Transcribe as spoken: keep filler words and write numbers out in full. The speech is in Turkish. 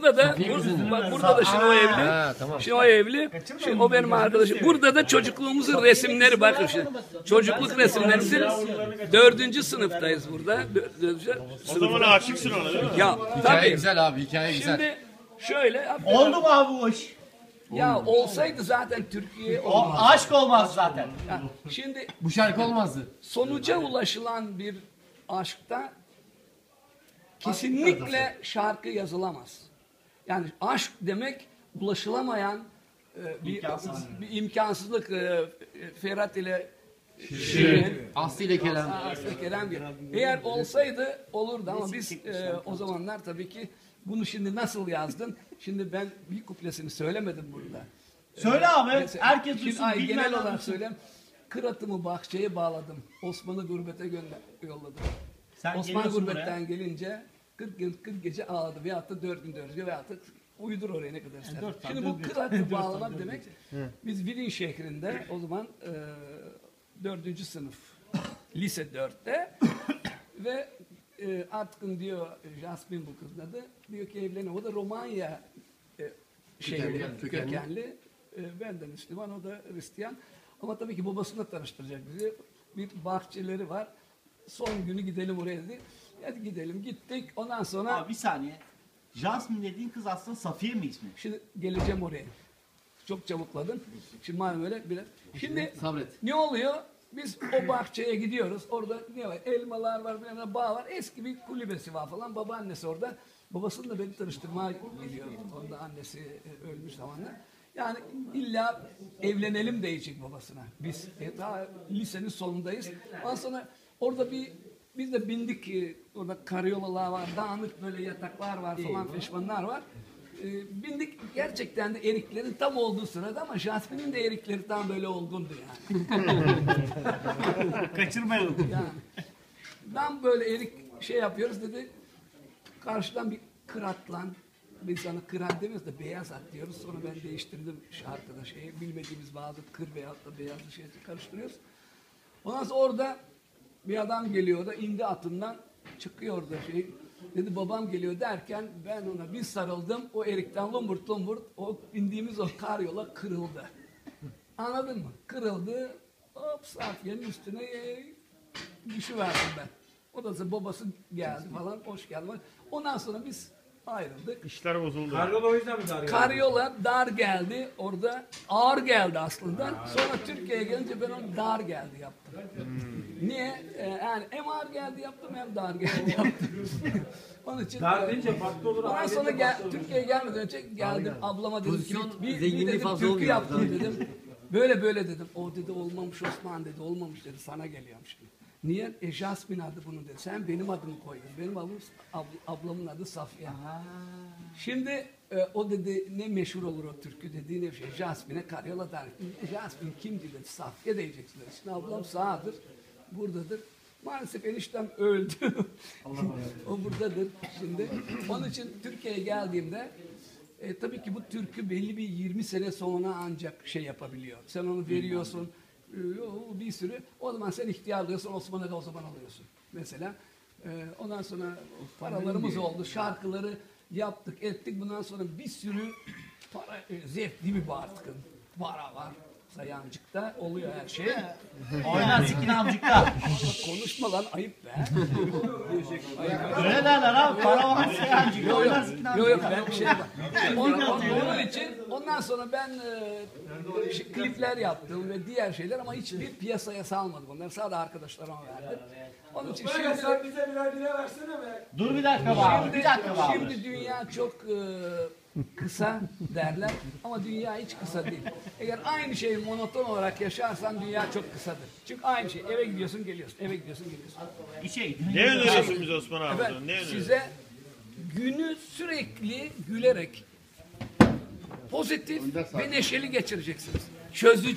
burada da bur, bak burada da şimdi o evli. Ha, tamam. Şimdi o evli. Şimdi o benim arkadaşım. Burada da çocukluğumuzun resimleri bakın şimdi. Çocukluk resimleri. Dördüncü sınıftayız burada. Dördüncü O zaman aşıksın ona değil mi? Ya Hikaye tabii. güzel abi, hikaye güzel. Şimdi şöyle. Oldu mu abi bu iş? Ya olsaydı zaten Türkiye O olmaz. aşk olmaz zaten. Ya şimdi Bu şarkı olmazdı. sonuca ulaşılan bir aşkta kesinlikle şarkı yazılamaz. Yani aşk demek ulaşılamayan e, bir, İmkansız. bir imkansızlık. E, Ferhat ile Şirin, Aslı ile Kerem. Aslı Kerem bir. Eğer olsaydı olurdu ama biz e, o zamanlar tabii ki bunu şimdi nasıl yazdın? Şimdi ben bir kuplesini söylemedim burada. Söyle abi. Mesela, Herkes şimdi, duysun. ay, genel bilmeyenler olarak duysun. söyleyeyim. Kıratımı bahçeye bağladım. Osman'ı gurbete gönder yolladım. Sen Osman geliyorsun gurbetten buraya. gelince kırk gün kırk gece ağladı veyahut da dört gün dört gece veyahut da uydur oraya ne kadar ister. dört Şimdi tane, bu dört- kıratı dört bağlamak tane, demek biz Vidin şehrinde o zaman e, dördüncü sınıf lise dörtte ve e, artık diyor Jasmin bu kızın adı diyor ki evleniyor. O da Romanya e, şeyli, Kökenli. kökenli. kökenli. E, benden Müslüman o da Hristiyan. Ama tabii ki babasıyla tanıştıracak bizi. Bir bahçeleri var. Son günü gidelim oraya dedi. Hadi gidelim. Gittik. Ondan sonra Abi bir saniye. Jasmine dediğin kız aslında Safiye mi ismi? şimdi geleceğim oraya. Çok çabukladın. Şimdi malum öyle biraz. Şimdi Sabret. ne oluyor? Biz o bahçeye gidiyoruz. Orada ne var? Elmalar var, bilmem ne, bağ var. Eski bir kulübesi var falan. Babaannesi orada. Babasını da beni tanıştırmaya geliyor. Onda annesi e, ölmüş zamanlar. Yani illa evlenelim diyecek babasına. Biz e, daha lisenin sonundayız. Ondan sonra orada bir biz de bindik. E, orada karyolalar var, dağınık böyle yataklar var falan, feşmanlar var. E, bindik gerçekten de eriklerin tam olduğu sırada ama Jasmin'in de erikleri tam böyle olgundu yani. Kaçırmayalım. Yani ben böyle erik şey yapıyoruz dedi. Karşıdan bir kıratlan. Biz sana kırat demiyoruz da beyaz at diyoruz. Sonra ben değiştirdim şarkıda şeyi. Bilmediğimiz bazı kır beyazla beyazlı şeyi karıştırıyoruz. Ondan sonra orada bir adam geliyor da indi atından çıkıyor da şey. Dedi babam geliyor derken ben ona bir sarıldım. O erikten lumburt lumburt o indiğimiz o karyola kırıldı. Anladın mı? Kırıldı. Hop Safiye'nin üstüne e, düşüverdim ben. O da babası geldi falan. Hoş geldin. Ondan sonra biz ayrıldık. İşler bozuldu. Karyola o yüzden mi dar geldi? Karyola dar geldi. Orada ağır geldi aslında. Sonra Türkiye'ye gelince ben onu dar geldi yaptım. Niye? Ee, yani hem ağır geldi yaptım hem dar geldi yaptım. Onun için Dar deyince farklı olur. ondan ailece sonra gel, farklı olur. Türkiye'ye gelmeden önce geldim ablama dedim ki Pozisyon bir, bir zenginliği dedim fazla türkü olmuyor. yaptım dedim. Böyle böyle dedim. O dedi olmamış Osman dedi. Olmamış dedi. Sana geliyormuş dedi. Niye? E Jasmin adı bunun dedi. Sen benim adımı koydun. Benim adım ab, ablamın adı Safiye. Şimdi e, o dedi ne meşhur olur o türkü dediği ne şey. Jasmin'e karyola der. E, Jasmin kimdi dedi. Safiye diyeceksin dedi. Şimdi ablam sağdır. Buradadır. Maalesef eniştem öldü. O buradadır şimdi. Onun için Türkiye'ye geldiğimde e, tabii ki bu türkü belli bir yirmi sene sonra ancak şey yapabiliyor. Sen onu veriyorsun. E, bir sürü. O zaman sen ihtiyar alıyorsun. Osman'a da o zaman alıyorsun. Mesela. E, ondan sonra paralarımız oldu. Şarkıları yaptık, ettik. Bundan sonra bir sürü para, e, zevkli bir artık. Para var. Sayancıkta oluyor her şey. Oynar sikin amcıkta. Konuşma lan ayıp be. Öyle derler abi. Para var sikin Yok Oynar yok. sikin Yok yok ben bir şey var. Onun, onun için ondan sonra ben e, şey, klipler yaptım ve diğer şeyler ama hiçbir piyasaya salmadım. Onları sadece arkadaşlarıma verdim. Onun için Böyle şimdi, sen bize birer bire versene be. Dur bir dakika be abi. şimdi, Bir dakika be abi. şimdi dünya çok e, kısa derler ama dünya hiç kısa değil. Eğer aynı şeyi monoton olarak yaşarsan dünya çok kısadır. Çünkü aynı şey. Eve gidiyorsun geliyorsun. Eve gidiyorsun geliyorsun. Bir şey. Ne öneriyorsun bize Osman abi? Efendim, Ne öneriyorsun? size günü sürekli gülerek pozitif ve neşeli geçireceksiniz. Çözücü